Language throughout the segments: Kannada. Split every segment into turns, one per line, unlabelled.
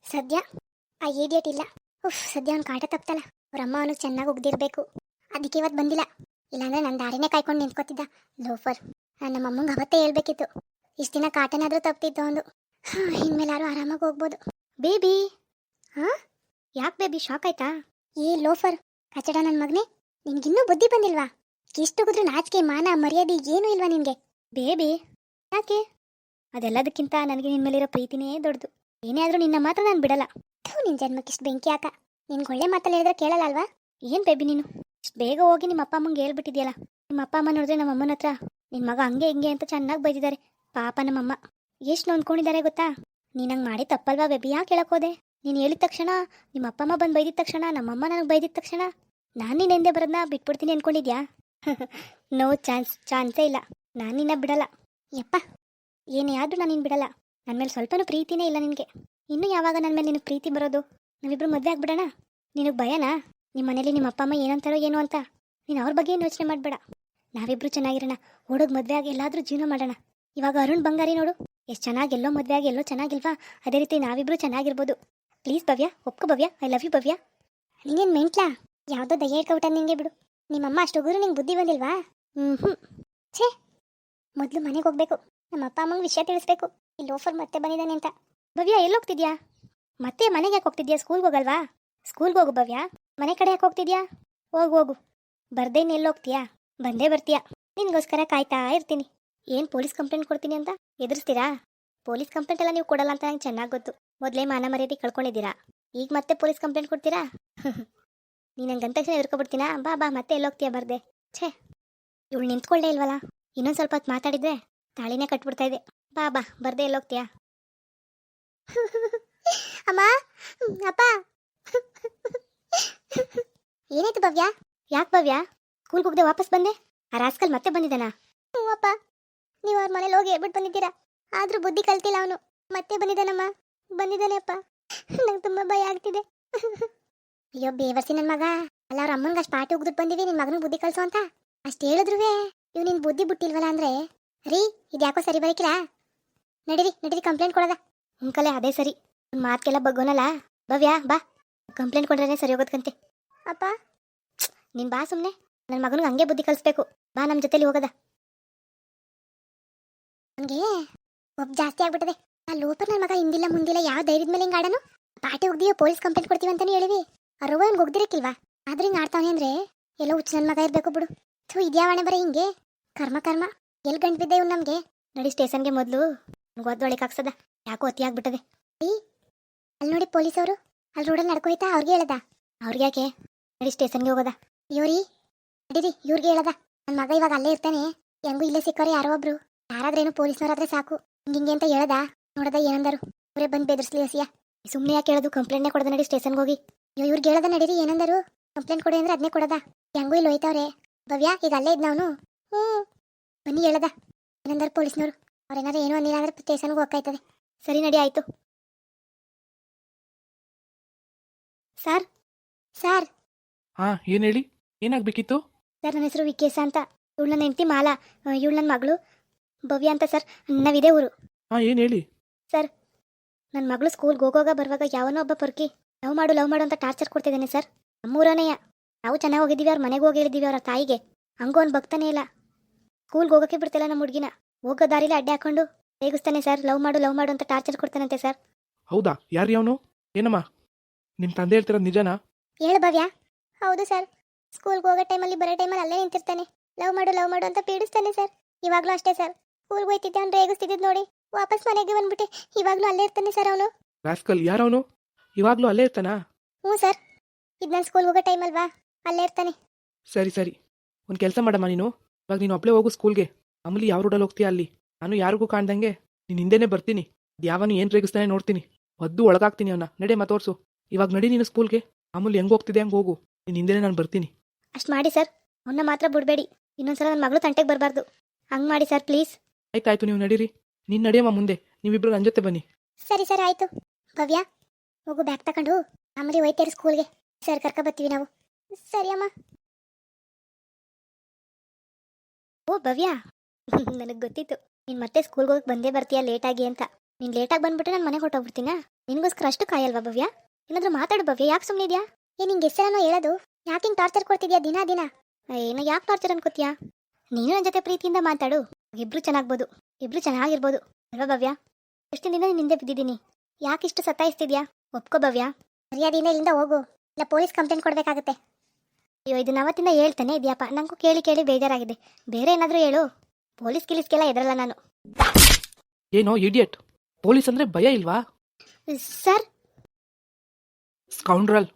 ಸದ್ಯ ಆ ಏಡಿಯಟ್ ಇಲ್ಲ. ಉಫ್, ಸದ್ಯ ಅವ್ನು ಕಾಟ ತಪ್ತಲ್ಲ. ಅವ್ರ ಅಮ್ಮ ಅವನಿಗೆ ಚೆನ್ನಾಗಿ ಉಗ್ದಿರ್ಬೇಕು. ಅದಕ್ಕೆ ಇವತ್ತು ಬಂದಿಲ್ಲ. ಇಲ್ಲಾಂದ್ರೆ ನನ್ನ ದಾರಿನೇ ಕಾಯ್ಕೊಂಡು ನಿಂತ್ಕೋತಿದ್ದ ಲೋಫರ್. ನಮ್ಮ ಅಮ್ಮಂಗೆ ಅವತ್ತೇ ಹೇಳ್ಬೇಕಿತ್ತು. ಇಷ್ಟು ದಿನ ಕಾಟನಾದರೂ ತಪ್ತಿತ್ತು ಒಂದು. ಇನ್ಮೇಲಾರು ಆರಾಮಾಗಿ ಹೋಗ್ಬೋದು. ಬೇಬಿ. ಹಾ, ಯಾಕೆ ಬೇಬಿ, ಶಾಕ್ ಆಯ್ತಾ? ಏ ಲೋಫರ್, ಕಚಡ ನನ್ನ ಮಗನೇ, ನಿನ್ಗಿನ್ನೂ ಬುದ್ಧಿ ಬಂದಿಲ್ವಾ? ಎಷ್ಟು ಹೋಗಿದ್ರು ನಾಚಿಕೆ ಮಾನ ಮರ್ಯಾದೆ ಏನೂ ಇಲ್ವಾ ನಿನಗೆ? ಬೇಬಿ, ಯಾಕೆ? ಅದೆಲ್ಲದಕ್ಕಿಂತ ನನಗೆ ನಿನ್ನ ಮೇಲಿರೋ ಪ್ರೀತಿನೇ ದೊಡ್ಡದು. ಏನೇ ಆದರೂ ನಿನ್ನ ಮಾತ್ರ ನಾನು ಬಿಡಲ್ಲ. ನಿನ್ನ ಜನ್ಮಕ್ಕಿಷ್ಟು ಬೆಂಕಿ ಹಾಕ. ನಿನ್ಗೆ ಒಳ್ಳೆ ಮಾತಲ್ಲಿ ಹೇಳಿದ್ರೆ ಕೇಳಲ್ಲ ಅಲ್ವಾ? ಏನು ಬೇಬಿ ನೀನು ಇಷ್ಟು ಬೇಗ ಹೋಗಿ ನಿಮ್ಮ ಅಪ್ಪ ಅಮ್ಮಂಗೆ ಹೇಳ್ಬಿಟ್ಟಿದ್ಯಲ್ಲ. ನಿಮ್ಮ ಅಪ್ಪ ಅಮ್ಮ ನೋಡಿದ್ರೆ ನಮ್ಮ ಅಮ್ಮನ ಹತ್ರ ನಿನ್ನ ಮಗ ಹಂಗೆ ಹಿಂಗೆ ಅಂತ ಚೆನ್ನಾಗಿ ಬೈದಿದ್ದಾರೆ. ಪಾಪ ನಮ್ಮಮ್ಮ ಎಷ್ಟು ನೊಂದ್ಕೊಂಡಿದ್ದಾರೆ ಗೊತ್ತಾ? ನೀನು ಹಂಗೆ ಮಾಡಿ ತಪ್ಪಲ್ವಾ ಬೇಬಿ? ಯಾಕೆ ಹೇಳಕ್ಕೋದೆ? ನೀನು ಹೇಳಿದ ತಕ್ಷಣ, ನಿಮ್ಮ ಅಪ್ಪ ಅಮ್ಮ ಬಂದು ಬೈದಿದ ತಕ್ಷಣ, ನಮ್ಮಮ್ಮ ನನಗೆ ಬೈದಿದ ತಕ್ಷಣ ನಾನು ನಿನ್ನ ಹಿಂದೆ ಬರೋದನ್ನ ಬಿಟ್ಬಿಡ್ತೀನಿ ಅಂದ್ಕೊಂಡಿದ್ಯಾ? ನೋ ಚಾನ್ಸೇ ಇಲ್ಲ. ನಾನು ನಿನ್ನ ಬಿಡಲ್ಲ. ಯಪ್ಪ, ಏನೇ ಆದರೂ ನಾನು ನಿನ್ನ ಬಿಡಲ್ಲ. ನನ್ನ ಮೇಲೆ ಸ್ವಲ್ಪನೂ ಪ್ರೀತಿನೇ ಇಲ್ಲ ನಿನಗೆ. ಇನ್ನೂ ಯಾವಾಗ ನನ್ನ ಮೇಲೆ ನಿನಗೆ ಪ್ರೀತಿ ಬರೋದು? ನಾವಿಬ್ರು ಮದುವೆ ಆಗ್ಬಿಡೋಣ. ನಿನಗೆ ಭಯನಾ ನಿಮ್ಮ ಮನೇಲಿ ನಿಮ್ಮ ಅಪ್ಪ ಅಮ್ಮ ಏನಂತಾರೋ ಏನು ಅಂತ? ನೀನು ಅವ್ರ ಬಗ್ಗೆ ಏನು ಯೋಚನೆ ಮಾಡಬೇಡ. ನಾವಿಬ್ರು ಚೆನ್ನಾಗಿರೋಣ. ಓಡೋಗಿ ಮದುವೆ ಆಗಿ ಎಲ್ಲಾದರೂ ಜೀವನ ಮಾಡೋಣ. ಇವಾಗ ಅರುಣ್ ಬಂಗಾರಿ ನೋಡು, ಎಷ್ಟು ಚೆನ್ನಾಗಿ ಎಲ್ಲೋ ಮದುವೆ ಆಗಿ ಎಲ್ಲೋ ಚೆನ್ನಾಗಿಲ್ವಾ? ಅದೇ ರೀತಿ ನಾವಿಬ್ರು ಚೆನ್ನಾಗಿರ್ಬೋದು. ಪ್ಲೀಸ್ ಭವ್ಯ, ಒಪ್ಕೋ Bhavya. I love you Bhavya. ನೀನೇನು ಮೆಂಟ್ಲಾ? ಯಾವುದೋ ದಯ್ಯ ಇಟ್ಕೊಬಿಟ್ಟ ನಿನಗೆ. ಬಿಡು. ನಿಮ್ಮಮ್ಮ ಅಷ್ಟು ಹೋಗಿದ್ರು ನಿಂಗೆ ಬುದ್ಧಿ ಬಂದಿಲ್ವಾ? ಛೇ, ಮೊದಲು ಮನೆಗೆ ಹೋಗ್ಬೇಕು. ನಮ್ಮ ಅಪ್ಪ ಅಮ್ಮಂಗೆ ವಿಷಯ ತಿಳಿಸ್ಬೇಕು, ಈ ಲೋಫರ್ ಮತ್ತೆ ಬಂದಿದ್ದಾನೆ ಅಂತ. ಭವ್ಯ, ಎಲ್ಲೋಗ್ತಿದ್ಯಾ? ಮತ್ತೆ ಮನೆಗೆ ಯಾಕೆ ಹೋಗ್ತಿದ್ಯಾ? ಸ್ಕೂಲ್ಗೆ ಹೋಗಲ್ವಾ? ಸ್ಕೂಲ್ಗೆ ಹೋಗು ಭವ್ಯ. ಮನೆ ಕಡೆ ಯಾಕೆ ಹೋಗ್ತಿದ್ಯಾ? ಹೋಗು. ಬರ್ದೇನು ಎಲ್ಲೋಗ್ತೀಯಾ? ಬಂದೇ ಬರ್ತೀಯಾ? ನಿನಗೋಸ್ಕರ ಕಾಯ್ತಾ ಇರ್ತೀನಿ. ಏನು ಪೊಲೀಸ್ ಕಂಪ್ಲೇಂಟ್ ಕೊಡ್ತೀನಿ ಅಂತ ಎದುರಿಸ್ತೀರಾ? ಪೊಲೀಸ್ ಕಂಪ್ಲೇಂಟ್ ಎಲ್ಲ ನೀವು ಕೊಡಲ್ಲ ಅಂತ ನಂಗೆ ಚೆನ್ನಾಗಿ ಗೊತ್ತು. ಮೊದಲೇ ಮಾನ ಮರ್ಯಾದೆ ಕಳ್ಕೊಂಡಿದ್ದೀರಾ, ಈಗ ಮತ್ತೆ ಪೊಲೀಸ್ ಕಂಪ್ಲೇಂಟ್ ಕೊಡ್ತೀರಾ? ನೀನು ನಂಗೆ ಗಂತ ತಕ್ಷಣ ಎದುರ್ಕೊಬಿಡ್ತೀನಾ? ಬಾ ಮತ್ತೆ ಎಲ್ಲೋಗ್ತೀಯಾ? ಬರ್ದೆ. ಛೇ, ಇವಳು ನಿಂತ್ಕೊಳ್ಳೇ ಇಲ್ವಲ್ಲ. ಇನ್ನೊಂದು ಸ್ವಲ್ಪ ಹೊತ್ತು ಮಾತಾಡಿದ್ರೆ ತಾಳಿನೇ ಕಟ್ಬಿಡ್ತಾ ಇದೆ. ಬಾ ಬರ್ದೆ ಎಲ್ಲೋಗ್ತೀಯಾ? ಅಮ್ಮ, ಅಪ್ಪ. ಏನಾಯ್ತು ಭವ್ಯ? ಯಾಕೆ ಭವ್ಯ ಸ್ಕೂಲ್ಗೆ ಹೋಗದೆ ವಾಪಸ್ ಬಂದೆ? ಆ ರಾಸ್ಕಲ್ ಮತ್ತೆ ಬಂದಿದ್ದಾನಾ? ಹ್ಞೂ ಅಪ್ಪ, ನೀವು ಅವ್ರ ಮನೇಲಿ ಹೋಗಿ ಹೇಳ್ಬಿಟ್ಟು ಬಂದಿದ್ದೀರಾ. ಆದರೂ ಬುದ್ಧಿ ಕಲ್ತಿಲ್ಲ ಅವನು. ಮತ್ತೆ ಬಂದಿದ್ದಾನಮ್ಮ. ಬಂದಿದ್ದಾನೆ ಅಪ್ಪ. ನಂಗೆ ತುಂಬ ಭಯ ಆಗ್ತಿದೆ. ಅಯ್ಯೋ ಬೇವರ್ಸಿ ನನ್ನ ಮಗ. ಅಲ್ಲ, ಅವ್ರ ಅಮ್ಮಂಗೆ ಅಷ್ಟು ಪಾಟಿ ಉಗ್ದು ಬಂದಿವಿ ನಿನ್ನ ಮಗನಿಗೆ ಬುದ್ಧಿ ಕಲಿಸು ಅಂತ. ಅಷ್ಟು ಹೇಳಿದ್ರು ಇವ್ ನಿನ್ನ ಬುದ್ಧಿ ಬಿಟ್ಟಿಲ್ವಲ್ಲ ಅಂದ್ರೆ. ರೀ, ಇದ್ಯಾಕೋ ಸರಿ ಬರಕಿಲ್ಲ. ನಡೀರಿ ಕಂಪ್ಲೇಂಟ್ ಕೊಡೋದ. ಉಂಕಲೆ ಅದೇ ಸರಿ. ಒಂದು ಮಾತ್ಗೆಲ್ಲ ಬಗ್ಗೋನಲ್ಲ. ಭವ್ಯ ಬಾ, ಕಂಪ್ಲೇಂಟ್ ಕೊಡ್ರೆ ಸರಿ ಹೋಗೋದ್ಕಂತೆ. ಅಪ್ಪ, ನೀನು ಬಾ ಸುಮ್ಮನೆ. ನನ್ನ ಮಗನಿಗೆ ಹಂಗೆ ಬುದ್ಧಿ ಕಲಿಸ್ಬೇಕು. ಬಾ, ನಮ್ಮ ಜೊತೆಲಿ ಹೋಗೋದ. ನನಗೆ ಒಬ್ಬ ಜಾಸ್ತಿ ಆಗ್ಬಿಟ್ಟದೆ. ಆ ಲೋಪರ್ ನನ್ನ ಮಗ ಹಿಂದಿಲ್ಲ ಮುಂದಿಲ್ಲ ಯಾವ ಧೈರ್ಯದ ಮೇಲೆ ಹಿಂಗೆ ಆಡನು? ಪಾಟಿ ಹೋಗ್ದೀವಿ, ಪೊಲೀಸ್ ಕಂಪ್ಲೇಂಟ್ ಕೊಡ್ತೀವಿ ಅಂತಾನೆ ಹೇಳಿವಿ. ಆ ರೋಗ ಅವ್ನಿಗೆ ಹೋಗ್ದಿರಕ್ಕಿಲ್ವಾ? ಆದ್ರೆ ಹಿಂಗೆ ಆಡ್ತಾವನೆ ಅಂದ್ರೆ ಎಲ್ಲ ಹುಚ್ಚು ನನ್ನ ಮಗ ಇರಬೇಕು ಬಿಡು. ಥೂ, ಇದ್ಯಾವಣೆ ಬರೀ ಹಿಂಗೆ. ಕರ್ಮ ಎಲ್ಲಿ ಗಂಟು ಬಿದ್ದೆ ಇವ್ನು ನಮಗೆ. ನಡಿ ಸ್ಟೇಷನ್ಗೆ ಮೊದಲು. ಒದ್ದೊಳಕ್ಕೆ ಹಾಕ್ಸದ. ಯಾಕೋ ಅತಿ ಆಗ್ಬಿಟ್ಟದೆ. ಅಲ್ಲಿ ನೋಡಿ ಪೊಲೀಸ್ ಅವರು ಅಲ್ಲಿ ರೋಡಲ್ಲಿ ನಡ್ಕೋಯ್ತಾ? ಅವ್ರಿಗೆ ಹೇಳದ? ಅವ್ರಿಗೆ ಯಾಕೆ? ನಡಿ ಸ್ಟೇಷನ್ಗೆ ಹೋಗೋದ. ಇವ್ರಿ ನಡೀರಿ, ಇವ್ರಿಗೆ ಹೇಳದ. ನನ್ನ ಮಗ ಇವಾಗ ಅಲ್ಲೇ ಇರ್ತಾನೆ. ಹೆಂಗೂ ಇಲ್ಲೇ ಸಿಕ್ಕವ್ರೆ ಯಾರೋ ಒಬ್ರು. ಯಾರಾದ್ರೇನು ಪೊಲೀಸ್ನವರಾದ್ರೆ ಸಾಕು. ಹಿಂಗೆ ಅಂತ ಹೇಳದ. ನೋಡದ ಏನಂದರು? ಅವರೇ ಬಂದು ಬೆದರ್ಸ್ಲಿ ಹಸಿಯ. ಸುಮ್ಮನೆ ಯಾಕೆ ಹೇಳೋದು? ಕಂಪ್ಲೇಂಟ್ನೇ ಕೊಡದ. ನಡಿ ಸ್ಟೇಷನ್ಗೆ ಹೋಗಿ. ಇವ್ರಿಗೆ ಹೇಳದ. ನಡೀರಿ, ಏನಂದರು? ಕಂಪ್ಲೇಂಟ್ ಕೊಡಿ ಅಂದ್ರೆ ಅದನ್ನೇ ಕೊಡದ. ಹೆಂಗೂ ಇಲ್ಲಿ ಹೋಯ್ತವ್ರೆ. ಭವ್ಯ ಈಗ ಅಲ್ಲೇ ಇದ್ನವನು. ಹ್ಞೂ, ಬನ್ನಿ ಹೇಳದ. ಏನಂದರು ಪೊಲೀಸ್ನವರು? ಅವ್ರೇನಾದ್ರು ಏನೋ ಅಂದಿಲ್ಲ ಅಂದ್ರೆ ಸ್ಟೇಷನ್ಗೆ ಹೋಗ್ತಾಯ್ತದೆ. ಸರಿ, ನಡಿ, ಆಯ್ತು. ಸರ್.
ಹಾ, ಏನು ಹೇಳಿ? ಏನಾಗಬೇಕಿತ್ತು?
ಸರ್, ನನ್ನ ಹೆಸರು ವಿಕೇಶ ಅಂತ. ಇವಳು ನನ್ನ ಹೆಂಡತಿ ಮಾಲಾ. ಇವಳು ನನ್ನ ಮಗಳು ಭವ್ಯ ಅಂತ. ಸರ್, ನಾವಿದೇ ಊರು.
ಹಾ, ಏನು ಹೇಳಿ?
ಸರ್, ನನ್ನ ಮಗಳು ಸ್ಕೂಲ್ಗೆ ಹೋಗೋವಾಗ ಬರುವಾಗ ಯಾವನೋ ಒಬ್ಬ ಪರ್ಕಿ ಲವ್ ಮಾಡು ಅಂತ ಟಾರ್ಚರ್ ಕೊಡ್ತಿದ್ದಾನೆ ಸರ್. ನಮ್ಮೂರನೆಯ. ನಾವು ಚೆನ್ನಾಗಿ ಹೋಗಿದ್ದೀವಿ, ಅವ್ರ ಮನೆಗೆ ಹೋಗಿ ಹೇಳಿದ್ದೀವಿ ಅವ್ರ ತಾಯಿಗೆ. ಹಂಗೂ ಅವ್ನು ಬಗ್ತಾನೆ ಇಲ್ಲ. ಸ್ಕೂಲ್ಗೆ ಹೋಗೋಕ್ಕೆ ಬಿಡ್ತಿಲ್ಲ ನಮ್ಮ ಹುಡುಗಿನ. ಹೋಗೋ ದಾರಿಲಿ ಅಡ್ಡೆ ಹಾಕೊಂಡು ರೇಗಿಸ್ತಾನೆ ಸರ್. ಲವ್ ಮಾಡು ಅಂತ ಟಾರ್ಚರ್ ಕೊಡ್ತಾನಂತೆ ಸರ್.
ಹೌದಾ? ಯಾರು ಅವನು? ಏನಮ್ಮ, ನಿಮ್ಮ ತಂದೆ ಹೇಳ್ತಿರೋದು ನಿಜನಾ?
ಹೇಳು ಭವ್ಯ. ಹೌದು ಸರ್, ಸ್ಕೂಲ್ಗೆ ಹೋಗೋ ಟೈಮಲ್ಲಿ ಬರೋ ಟೈಮಲ್ಲಿ ಅಲ್ಲೇ ನಿಂತಿರ್ತಾನೆ. ಲವ್ ಮಾಡು ಅಂತ ಪೀಡಿಸ್ತಾನೆ ಸರ್. ಇವಾಗಲೂ ಅಷ್ಟೇ ಸರ್. ಸ್ಕೂಲ್ಗೆ ಹೋಯ್ತಿದ್ದೆ ಅವ್ನು ರೇಗಿಸ್ತಿದ್ದು ನೋಡಿ ವಾಪಸ್ ಮನೆಗೆ ಬಂದ್ಬಿಟ್ಟೆ. ಇವಾಗಲೂ ಅಲ್ಲೇ ಇರ್ತಾನೆ ಸರ್ ಅವನು.
ರಾಸ್ಕಲ್ ಯಾರವನು? ಇವಾಗಲೂ ಅಲ್ಲೇ ಇರ್ತಾನಾ?
ಹ್ಞೂ ಸರ್, ಇದು ನಾನು ಸ್ಕೂಲ್ಗೆ ಹೋಗೋ ಟೈಮಲ್ವಾ, ಅಲ್ಲೇ ಇರ್ತಾನೆ.
ಸರಿ, ಒಂದು ಕೆಲಸ ಮಾಡಮ್ಮ ನೀನು. ಇವಾಗ ನೀನು ಒಬ್ಬಳೇ ಹೋಗು ಸ್ಕೂಲ್ಗೆ. ಆಮೇಲೆ ಯಾವ ರೋಡಲ್ಲಿ ಹೋಗ್ತೀಯಾ ಅಲ್ಲಿ. ನಾನು ಯಾರಿಗೂ ಕಾಣ್ದಂಗೆ ನೀನು ಹಿಂದೆನೇ ಬರ್ತೀನಿ. ಯಾವನು ಏನು ರೇಗಿಸ್ತಾನೆ ನೋಡ್ತೀನಿ. ಒದ್ದು ಒಳಗಾಗ್ತೀನಿ ಅವನ್ನ. ನಡೆ ತೋರಿಸು. ಇವಾಗ ನಡಿ ನೀನು ಸ್ಕೂಲ್ಗೆ. ಆಮೇಲೆ ಹೆಂಗೆ ಹೋಗ್ತಿದೆ ಹಂಗೆ ಹೋಗು. ನೀನು ಹಿಂದೆನೇ ನಾನು ಬರ್ತೀನಿ.
ಅಷ್ಟು ಮಾಡಿ ಸರ್. ಅವನ್ನ ಮಾತ್ರ ಬಿಡಬೇಡಿ. ಇನ್ನೊಂದ್ಸಲ ನನ್ನ ಮಗಳು ತಂಟೆಗೆ ಬರಬಾರ್ದು. ಹಂಗೆ ಮಾಡಿ ಸರ್, ಪ್ಲೀಸ್.
ಆಯ್ತಾಯ್ತು, ನೀವು ನಡೀರಿ. ನೀನು ನಡಿಯಮ್ಮ ಮುಂದೆ. ನೀವಿಬ್ರು ನನ್ನ ಜೊತೆ ಬನ್ನಿ.
ಸರಿ ಸರ್, ಆಯಿತು. ಭವ್ಯ, ಹೋಗು ಬ್ಯಾಗ್ ತಗೊಂಡು. ಆಮೇಲೆ ಹೋಯ್ತೇರಿ ಸ್ಕೂಲ್ಗೆ. ಸರ್, ಕರ್ಕ ಬರ್ತೀವಿ ನಾವು. ಸರಿ ಅಮ್ಮ. ಓ ಭವ್ಯ, ನನಗೆ ಗೊತ್ತಿತ್ತು ನೀನು ಮತ್ತೆ ಸ್ಕೂಲ್ಗೆ ಹೋಗಿ ಬಂದೇ ಬರ್ತೀಯ ಲೇಟಾಗಿ ಅಂತ. ನೀನು ಲೇಟಾಗಿ ಬಂದ್ಬಿಟ್ರೆ ನಾನು ಮನೆಗೆ ಹೊರಟೋಗ್ಬಿಡ್ತೀನಾ? ನಿನಗೋಸ್ಕರ ಅಷ್ಟು ಕಾಯಲ್ವಾ ಭವ್ಯ? ಏನಾದರೂ ಮಾತಾಡು ಭವ್ಯ, ಯಾಕೆ ಸುಮ್ಮನೆ ಇದೆಯಾ? ನಿಂಗೆ ಹೆಸರನ್ನು ಹೇಳೋದು? ಯಾಕೆ ಹಿಂಗೆ ಟಾರ್ಚರ್ ಕೊಡ್ತಿದ್ಯಾ ದಿನ ದಿನ? ಏನೋ ಯಾಕೆ ಟಾರ್ಚರ್ ಅನ್ಕೋತೀಯಾ? ನೀನು ನನ್ನ ಜೊತೆ ಪ್ರೀತಿಯಿಂದ ಮಾತಾಡು, ಇಬ್ರು ಚೆನ್ನಾಗ್ಬೋದು, ಇಬ್ರು ಚೆನ್ನಾಗಿರ್ಬೋದು ಅಲ್ವಾ ಭವ್ಯ? ಎಷ್ಟು ದಿನ ನೀನು ಹಿಂದೆ ಬಿದ್ದಿದ್ದೀನಿ, ಯಾಕೆ ಇಷ್ಟು ಸತಾಯಿಸ್ತಿದ್ಯಾ? ಒಪ್ಕೋ ಭವ್ಯ, ಮರ್ಯಾದೆಯಿಂದ ಇಲ್ಲಿಂದ ಹೋಗು, ಇಲ್ಲ ಪೊಲೀಸ್ ಕಂಪ್ಲೇಂಟ್ ಕೊಡಬೇಕಾಗುತ್ತೆ. ಅಯ್ಯೋ ಇದನ್ನ ಅವತ್ತಿಂದ ಹೇಳ್ತಾನೆ ಇದೆಯಪ್ಪ, ನನಗೂ ಕೇಳಿ ಕೇಳಿ ಬೇಜಾರಾಗಿದೆ. ಬೇರೆ ಏನಾದರೂ ಹೇಳು, ಪೊಲೀಸ್ ಗಿಲೀಸ್ಗೆಲ್ಲ ಎದರಲ್ಲ ನಾನು.
ಏನೋ ಇಡಿಯಟ್, ಪೊಲೀಸ್ ಅಂದ್ರೆ ಭಯ ಇಲ್ವಾ?
ಸರ್
ಸ್ಕೌಂಡ್ರಲ್,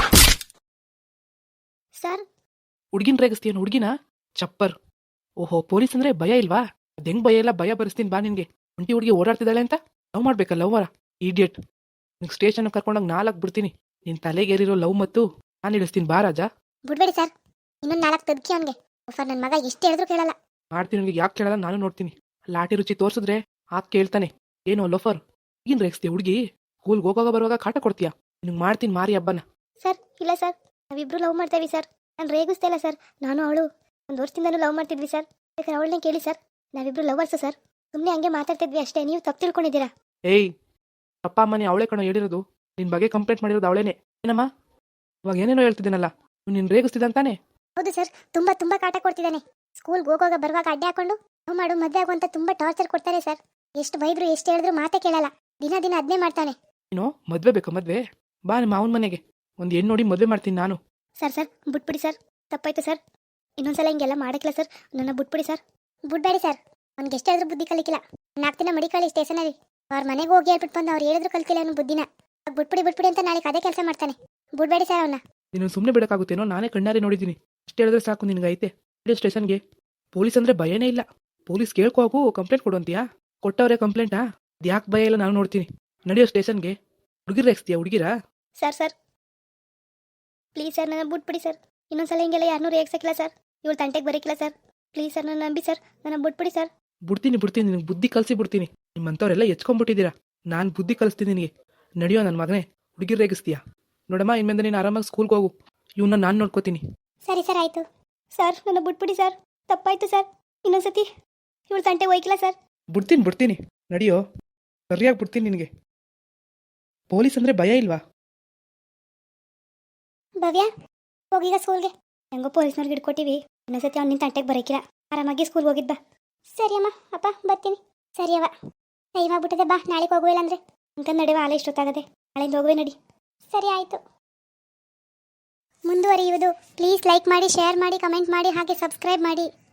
ಸರ್
ಹುಡ್ಗಿನ್ ರೇಗಿಸ್ತೀಯನ್ ಹುಡ್ಗಿನ? ಚಪ್ಪರ್. ಓಹೋ, ಪೊಲೀಸ್ ಅಂದ್ರೆ ಭಯ ಇಲ್ವಾ? ಅದೆಂಗ್ ಭಯ ಇಲ್ಲ, ಭಯ ಬರಿಸ್ತೀನಿ ಬಾ ನಿನ್ಗೆ. ಒಂಟಿ ಹುಡುಗಿ ಓಡಾಡ್ತಿದ್ದಾಳೆ ಅಂತ ಲವ್ ಮಾಡ್ಬೇಕಲ್ಲ ಲವ್ವರ? ಇಡಿಯಟ್, ನಿಂಗೆ ಸ್ಟೇಷನ್ ಕರ್ಕೊಂಡೋಗಿ 4 ಬಿಡ್ತೀನಿ. ನಿನ್ ತಲೆಗೇರಿರೋ ಲವ್ ಮತ್ತು ನಾನು ಇಳಿಸ್ತೀನಿ ಬಾ ರಾಜ.
ಬಿಡ್ಬೇಡಿ ಸರ್, ಇನ್ನೊಂದು 4 ತದ್ಕಿ ಅವನಿಗೆ. ನನ್ನ ಮಗ ಎಷ್ಟು ಹೇಳಿದ್ರು ಕೇಳಲ್ಲ.
ಮಾಡ್ತೀನಿ, ನಿನ್ಗೆ ಯಾಕೆ ಕೇಳಲ್ಲ ನಾನು ನೋಡ್ತೀನಿ. ಲಾಟಿ ರುಚಿ ತೋರಿಸಿದ್ರೆ ಆಕೆ ಕೇಳ್ತಾನೆ. ಏನೋ ಲೋಫರ್, ಈಗಿನ ರೇಗಿಸ್ತೀಯ ಹುಡುಗಿ? ಸ್ಕೂಲ್ಗೆ ಹೋಗೋವಾಗ ಬರುವಾಗ ಕಾಟ ಕೊಡ್ತೀಯಾ? ನಿನಗೆ ಮಾಡ್ತೀನಿ ಮಾರಿ ಹಬ್ಬನ.
ಸರ್ ಇಲ್ಲ ಸರ್, ನಾವಿಬ್ರು ಲವ್ ಮಾಡ್ತೇವಿ ಸರ್. ನಾನು ರೇಗಿಸ್ತಾ ಇಲ್ಲ ಸರ್, ನಾನು ಅವಳು 1 ವರ್ಷದಿಂದನೂ ಲವ್ ಮಾಡ್ತಿದ್ವಿ ಸರ್. ಬೇಕಾದ್ರೆ ಅವಳನ್ನೇ ಕೇಳಿ ಸರ್, ನಾವಿಬ್ರು ಲವರ್ಸು ಸರ್. ಸುಮ್ಮನೆ ಹಂಗೆ ಮಾತಾಡ್ತಿದ್ವಿ ಅಷ್ಟೇ, ನೀವು ತಪ್ಪು ತಿಳ್ಕೊಂಡಿದ್ದೀರಾ.
ಏಯ್, ಅಪ್ಪ ಅಮ್ಮನೇ ಅವಳೇ ಕಣೋ ಹೇಳಿರೋದು. ನಿನ್ ಬಗ್ಗೆ ಕಂಪ್ಲೇಂಟ್ ಮಾಡಿರೋದು ಅವಳೇನೆ. ಏನಮ್ಮ ಇವಾಗ ಏನೇನೋ ಹೇಳ್ತಿದ್ದೀನಲ್ಲ, ನೀನು ರೇಗಿಸ್ತಿದ್ದಂತಾನೆ?
ಹೌದು ಸರ್, ತುಂಬಾ ತುಂಬಾ ಕಾಟ ಕೊಡ್ತಿದ್ದಾನೆ. ಸ್ಕೂಲ್ಗೆ ಹೋಗುವಾಗ ಬರುವಾಗ ಅಡ್ಡೆ ಹಾಕೊಂಡು ಲವ್ ಮಾಡು ಮದುವೆ ಆಗು ಅಂತ ತುಂಬಾ ಟಾರ್ಚರ್ ಕೊಡ್ತಾರೆ ಸರ್. ಎಷ್ಟು ಬೈದ್ರು ಎಷ್ಟು ಹೇಳಿದ್ರು ಮಾತೇ ಕೇಳಲ್ಲ, ದಿನ ದಿನ ಅದನ್ನೇ ಮಾಡ್ತಾನೆ.
ನೀನು ಮದ್ವೆ ಬೇಕಾ? ಮದ್ವೆ ಬಾ ನಿಮ್ಮ ಅವನ ಮನೆಗೆ, ಒಂದು ಹೆಣ್ಣು ನೋಡಿ ಮದ್ವೆ ಮಾಡ್ತೀನಿ ನಾನು.
ಸರ್ ಸರ್ ಬಿಟ್ಬಿಡಿ ಸರ್, ತಪ್ಪಾಯ್ತು ಸರ್. ಇನ್ನೊಂದ್ಸಲ ಹಿಂಗೆಲ್ಲ ಮಾಡಕ್ಕಿಲ್ಲ ಸರ್, ನನ್ನ ಬಿಟ್ಬಿಡಿ ಸರ್. ಬಿಡ್ಬೇಡಿ ಸರ್, ಅವ್ನಿಗೆ ಎಷ್ಟೇ ಆದ್ರೂ ಬುದ್ಧಿ ಕಲಿಕಿಲ್ಲ. 4 ದಿನ ಮಡಿಕಳಿ ಸ್ಟೇಷನಲ್ಲಿ ಅವ್ರ ಮನೆಗೆ ಹೋಗಿ ಹೇಳ್ಬಿಟ್ಟು ಬಂದು ಅವ್ರು ಹೇಳಿದ್ರು ಕಲ್ತಿಲ್ಲ ಅವನು ಬುದ್ಧಿನ. ಬಿಟ್ಬಿಡಿ ಅಂತ ನಾಳೆ ಅದೇ ಕೆಲಸ ಮಾಡ್ತಾನೆ. ಬಿಡ್ಬೇಡಿ ಸರ್ ಅವನ್ನ.
ನೀನು ಸುಮ್ಮನೆ ಬಿಡಕ್ಕಾಗುತ್ತೇನೋ? ನಾನೇ ಕಣ್ಣಾರೆ ನೋಡಿದ್ದೀನಿ. ಅಷ್ಟು ಹೇಳಿದ್ರೆ ಸಾಕು ನಿನಗೈತೆ. ಸ್ಟೇಷನ್ಗೆ ಪೊಲೀಸ್ ಅಂದ್ರೆ ಭಯನೇ ಇಲ್ಲ. ಪೊಲೀಸ್ ಕೇಳ್ಕೋ ಹೋಗು, ಕಂಪ್ಲೇಂಟ್ ಕೊಡುವಂತೀಯಾ? ಕೊಟ್ಟವ್ರೆ ಕಂಪ್ಲೇಂಟಾ? ಯಾಕೆ ಭಯ ಇಲ್ಲ ನಾನು ನೋಡ್ತೀನಿ. ನಡೆಯೋ ಸ್ಟೇಷನ್ಗೆ. ಹುಡುಗಿರ್ ರೇಗಿಸ್ತೀಯಾ ಹುಡುಗಿರಾ?
ಸರ್ ಸರ್ ಪ್ಲೀಸ್ ಸರ್, ನನ್ನ ಬಿಟ್ಬಿಡಿ ಸರ್. ಇನ್ನೊಂದ್ಸಲ ಹಿಂಗೆಲ್ಲ ಯಾರನ್ನೂ ರೇಗ್ಸಕ್ಕಿಲ್ಲ ಸರ್. ಇವಳು ತಂಟೆಗೆ ಬರೀಕಿಲ್ಲ ಸರ್. ಪ್ಲೀಸ್ ಸರ್, ನನ್ನ ನಂಬಿ ಸರ್, ನನ್ನ ಬಿಟ್ಬಿಡಿ ಸರ್.
ಬಿಡ್ತೀನಿ ನಿನಗೆ ಬುದ್ಧಿ ಕಲಿಸಿ ಬಿಡ್ತೀನಿ. ನಿಮ್ಮಂಥವ್ರೆಲ್ಲ ಎಚ್ಕೊಂಡ್ಬಿಟ್ಟಿದ್ದೀರಾ. ನಾನು ಬುದ್ಧಿ ಕಲಿಸ್ತೀನಿ ನಿನಗೆ. ನಡೆಯೋ ನನ್ನ ಮಗನೇ, ಹುಡುಗಿರ್ ರೇಗಿಸ್ತೀಯಾ? ನೋಡಮ್ಮ, ಇನ್ಮೇಲೆ ನೀನು ಆರಾಮಾಗಿ ಸ್ಕೂಲ್ಗೆ ಹೋಗು. ಇವನ್ನ ನಾನು ನೋಡ್ಕೋತೀನಿ.
ಸರಿ ಸರ್ ಆಯಿತು. ಸರ್ ನನ್ನ ಬಿಟ್ಬಿಡಿ ಸರ್, ತಪ್ಪಾಯ್ತು ಸರ್. ಇನ್ನೊಂದ್ಸತಿ ಇವಳು ತಂಟೆಗೆ ಹೋಯ್ಕಿಲ್ಲ ಸರ್.
ಬಿಡ್ತೀನಿ ನಡೆಯೋ, ಸರಿಯಾಗಿ ಬಿಡ್ತೀನಿ ನಿನಗೆ. ಪೊಲೀಸ್ ಅಂದ್ರೆ ಭಯ ಇಲ್ವಾ?
ಭವ್ಯ ಹೋಗೀಗ ಸ್ಕೂಲ್ಗೆ. ಹೆಂಗೋ ಪೊಲೀಸ್ನವ್ರಿಗೆ ಹಿಡ್ಕೊಟ್ಟಿವಿ. ಇನ್ನೊಂದ್ಸತಿ ಅವ್ನು ನಿನ್ನ ತಂಟೆಗೆ ಬರೋಕಿಲ್ಲ. ಆರಾಮಾಗಿ ಸ್ಕೂಲ್ಗೆ ಹೋಗಿದ್ ಬಾ. ಸರಿ ಅಮ್ಮ, ಅಪ್ಪ ಬರ್ತೀನಿ. ಸರಿ ಅವ್ವ, ಟೈಮ್ ಆಗ್ಬಿಟ್ಟದೆ, ಬಾ ನಾಳೆಗೆ ಹೋಗುವಿಲ್ಲ ಅಂದರೆ ಅಂತ ನಡೆಯುವ ಆಲೆ ಇಷ್ಟೊತ್ತಾಗದೆ. ನಾಳೆಯಿಂದ ಹೋಗುವೆ ನಡಿ. ಸರಿ ಆಯಿತು. ಮುಂದುವರಿಯುವುದು. ಪ್ಲೀಸ್ ಲೈಕ್ ಮಾಡಿ, ಶೇರ್ ಮಾಡಿ, ಕಮೆಂಟ್ ಮಾಡಿ, ಹಾಗೆ ಸಬ್ಸ್ಕ್ರೈಬ್ ಮಾಡಿ.